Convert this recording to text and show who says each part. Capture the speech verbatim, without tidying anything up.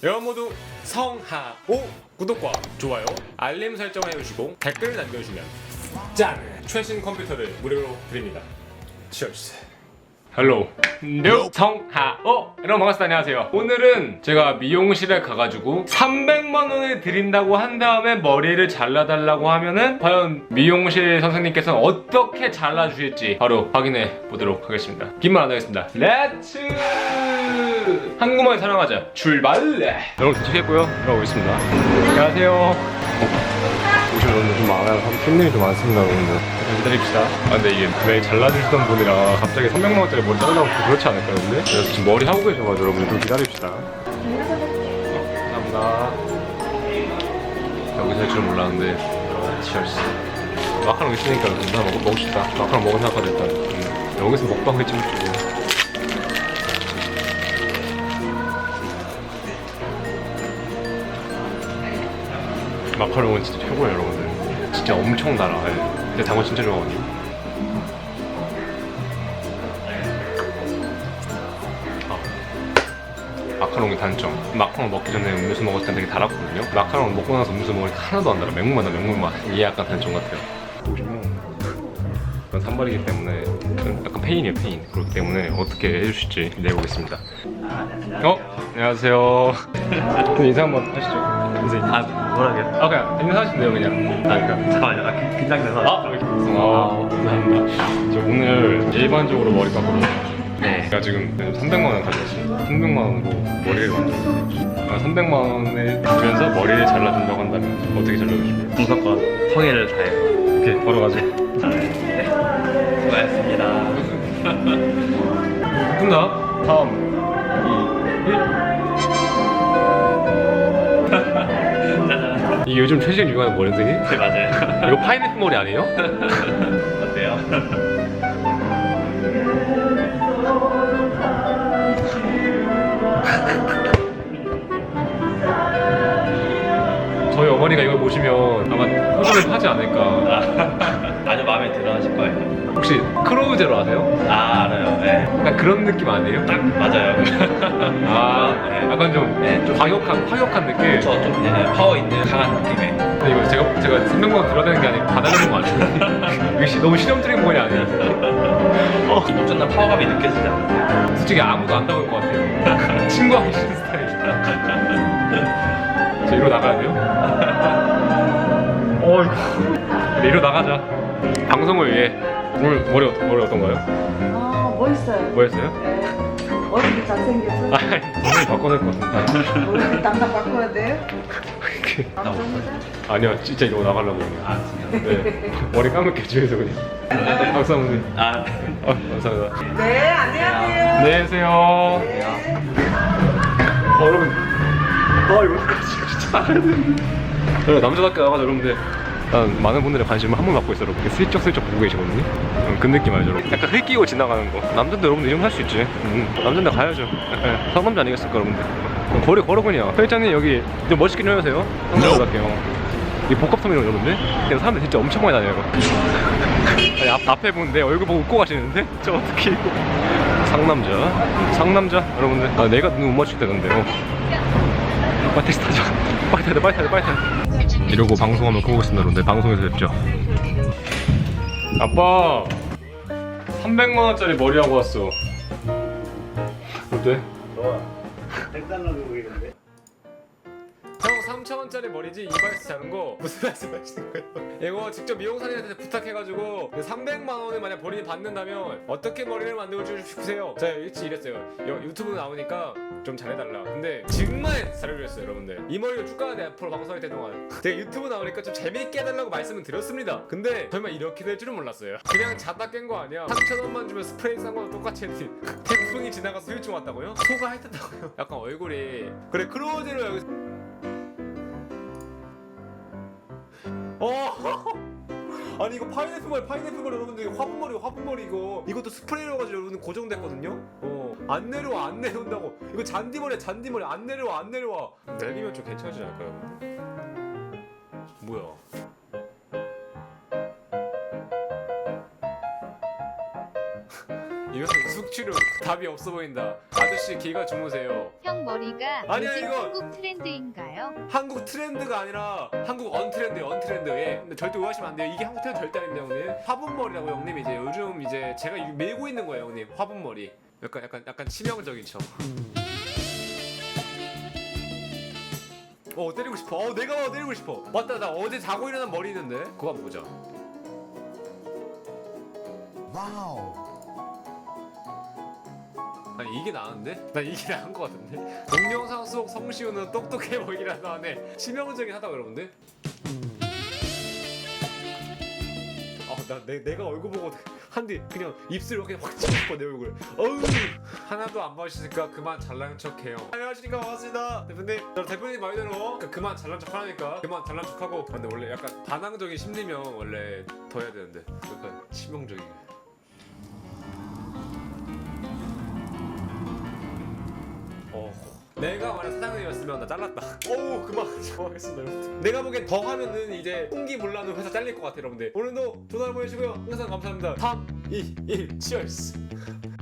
Speaker 1: 여러분 모두 성하오 구독과 좋아요 알림 설정 해주시고 댓글 남겨주시면 짠! 최신 컴퓨터를 무료로 드립니다. 치얼스. 헬로 뉴 성하오 여러분 반갑습니다. 안녕하세요. 오늘은 제가 미용실에 가가지고 삼백만 원을 드린다고 한 다음에 머리를 잘라달라고 하면은 과연 미용실 선생님께서는 어떻게 잘라주실지 바로 확인해 보도록 하겠습니다. 긴 말 안 하겠습니다. 렛츠 한국말 사랑하자 출발. 여러분 도착했고요. 들어가고 있습니다. 안녕하세요. 오시면 오늘 좀 많아요. 손님이 좀 많습니다. 여러분들 기다립시다. 아 근데 이게 왜 잘라주시던 분이라 갑자기 삼백만 원짜리 머리 자르라고 그렇지 않을까요? 근데? 그래서 지금 머리 하고 계셔가지고 여러분들 좀 기다립시다. 어, 감사합니다. 여기서 할 줄 몰랐는데 치얼스. 마카롱 있으니까 나 먹, 먹고 싶다. 마카롱 먹은 생각하다 일단 음, 여기서 먹방을 찍을지고. 마카롱은 진짜 최고예요 여러분들. 진짜 엄청 달아. 근데 당근 진짜 좋아하거든요. 아. 마카롱의 단점. 마카롱 먹기 전에 음료수 먹었을 때 되게 달았거든요. 마카롱 먹고 나서 음료수 먹으니까 하나도 안 달아. 맹물맛 나 맹물맛. 이게 약간 단점 같아요. 보시면 이건 산발이기 때문에 약간 페인이에요 페인. 그렇기 때문에 어떻게 해주실지 기대해보겠습니다. 어? 안녕하세요. 인사 한번 하시죠. 선생님.
Speaker 2: 아 뭐라고요?
Speaker 1: 아 그냥 인사하시면 돼요 그냥.
Speaker 2: 아 그러니까 잠깐만요. 아 긴- 긴장돼서.
Speaker 1: 아, 아 감사합니다. 저 오늘 일반적으로 머리 깎거든요.
Speaker 2: 네.
Speaker 1: 제가 지금 삼백만 원 가져왔습니다. 삼백만 원으로 머리를 만들었어요. 삼백만 원을 주면서 머리를 잘라준다고 한다면 어떻게 잘라주실까요?
Speaker 2: 무조건 성의를 다해서.
Speaker 1: 오케이 바로 가죠.
Speaker 2: 네. 수고하셨습니다.
Speaker 1: 끝나? 삼, 이, 일.
Speaker 2: 짜잔.
Speaker 1: 이게 요즘 최신 유행하는 머리인데?
Speaker 2: 네 맞아요.
Speaker 1: 이거 파인애플 머리 아니에요?
Speaker 2: 어때요?
Speaker 1: 저희 어머니가 이걸 보시면 아마 호감을 하지 않을까.
Speaker 2: 아, 아주 마음에 들어하실 거예요.
Speaker 1: 혹시 크로우제로 아세요?
Speaker 2: 아 알아요. 네.
Speaker 1: 약간 그런 느낌 아니에요?
Speaker 2: 딱 맞아요.
Speaker 1: 아,
Speaker 2: 네.
Speaker 1: 약간 좀,
Speaker 2: 네, 좀
Speaker 1: 과격한, 과격한 느낌?
Speaker 2: 저좀 네, 파워 있는 강한 느낌의.
Speaker 1: 근데 이거 제가, 제가 삼백만 원 들어야 되는 게 아니고 받아내는 거 아니에요? 이거 시, 너무 실험적인 머리 아니에요?
Speaker 2: 어. 엄청난 파워감이 느껴지지 않아요?
Speaker 1: 솔직히 아무도 안 닿을 것 같아요. 친구하기 싫은 스타일이라. 저 이리로 나가야 돼요? 어이구. 이리로 나가자. 방송을 위해. 오늘 머리, 어- 머리 어떤가요?
Speaker 3: 아, 멋있어요.
Speaker 1: 뭐였어요?
Speaker 3: 네. 얼굴이 잘생겼어.
Speaker 1: 아, 오늘 바꿔낼 것 같은데.
Speaker 3: 얼굴 담당 바꿔야 돼요?
Speaker 2: 나
Speaker 3: 감사합니다.
Speaker 1: 아니요, 진짜 이러고 나가려고요.
Speaker 2: 아 진짜.
Speaker 1: 네. 머리 감을게, 주에서 그냥. 감사합니다.
Speaker 2: 아
Speaker 1: 아, 감사합니다.
Speaker 3: 네, 안녕하세요.
Speaker 1: 안녕히 계세요.
Speaker 3: 네.
Speaker 1: 어, 여러분. 아, 이거 진짜 나가야 되는데. 여러분, 남자답게 나가자, 여러분들. 난 많은 분들의 관심을 한 번 받고 있어요, 여러분. 슬쩍슬쩍 보고 계시거든요. 음, 그 느낌 알죠, 여러분? 약간 흘끼고 지나가는 거. 남자인데 여러분들 이 정도 할 수 있지. 음, 남자인데 가야죠. 예, 상남자 아니겠습니까, 여러분들? 그럼 거리 걸어 그냥. 회장님 여기 좀 멋있게 좀 해주세요. 상남자답게요. 이 복합섬이로 여러분들. 그냥 사람들 진짜 엄청 많이 다녀요. 아니, 앞, 앞에 분내 얼굴 보고 웃고 가시는데? 저 어떻게 이거. 상남자. 상남자, 여러분들. 아, 내가 눈 못 맞출 때던데요. 빨리 택시 타자. 빨리 타야 돼, 빨리 타야 돼, 빨리 타야 돼. 이러고 방송하면 보겠습니다, 여러분들. 방송에서 뵙죠. 아빠! 삼백만 원짜리 머리 하고 왔어. 어때?
Speaker 4: 좋아. 색달라고 보이는데?
Speaker 1: 형 삼천 원짜리 머리지 이발에서 자른 거 무슨 말씀하시는 거예요? 이거 직접 미용사님한테 부탁해가지고 삼백만 원을 만약 본인이 받는다면 어떻게 머리를 만들어 주세요? 제가 일찍 이랬어요. 여, 유튜브 나오니까 좀 잘해달라. 근데 정말 잘해주셨어요, 여러분들. 이 머리로 쭉 가야 돼, 앞으로 방송할 때 동안. 제가 유튜브 나오니까 좀 재밌게 해달라고 말씀을 드렸습니다. 근데 설마 이렇게 될 줄은 몰랐어요. 그냥 자다 깬 거 아니야. 삼천 원만 주면 스프레이 싼 거랑 똑같이 했지. 태풍이 지나가서 후유증 왔다고요? 소가 핥았다고요? 약간 얼굴이 그래 크로우제로 여기 어 아니 이거 파인애플 머리 파인애플 머리 여러분들 화분 머리 화분 머리 이거 이것도 스프레이로 가지고 여러분 고정됐거든요. 어안 내려와 안 내려온다고. 이거 잔디 머리야 잔디 머리 안 내려와 안 내려와. 내리면 좀 괜찮아지지 않을까요? 뭐야? 이거 이거 숙취로 답이 없어 보인다. 아저씨 기가 주무세요.
Speaker 5: 형 머리가
Speaker 1: 아니야,
Speaker 5: 요즘
Speaker 1: 이거.
Speaker 5: 한국 트렌드인가요?
Speaker 1: 한국 트렌드가 아니라 한국 언트렌드예요. 언트렌드. 예. 근데 절대 오해하시면 안 돼요. 이게 한국 트렌드 절대 아닙니다, 형님. 화분머리라고 형님. 이제 요즘 이제 제가 이- 메고 있는 거예요, 형님. 화분머리. 약간 약간 약간 치명적인 척. 어 때리고 싶어. 어 내가 때리고 싶어. 맞다, 나 어제 자고 일어난 머리 있는데. 그거 한번 보자. 아니 이게 나은데? 나 이게 나은 것 같은데? 동영상 속 성시우는 똑똑해 보이기라도 하네. 치명적인 하다 여러분들. 아나 내가 얼굴 보고 한뒤 그냥 입술 이렇게 확 치고 싶어 내 얼굴. 어우 하나도 안 봐주시니까 그만 잘난 척해요. 안녕하십니까, 반갑습니다 대표님. 저 대표님 말대로 그러니까 그만 잘난 척하니까 그만 잘난 척하고. 근데 원래 약간 반항적인 심리면 원래 더 해야 되는데 약간 치명적이게. 어. 내가 만약 사장님이었으면 나 잘랐다. 어우 그만 좋아하겠습니다 여러분들. 내가 보기엔 더 하면은 이제 홍기물라는 회사 잘릴 것 같아 여러분들. 오늘도 좋은 하루 보내시고요. 항상 감사합니다. 삼, 이, 일 치얼스.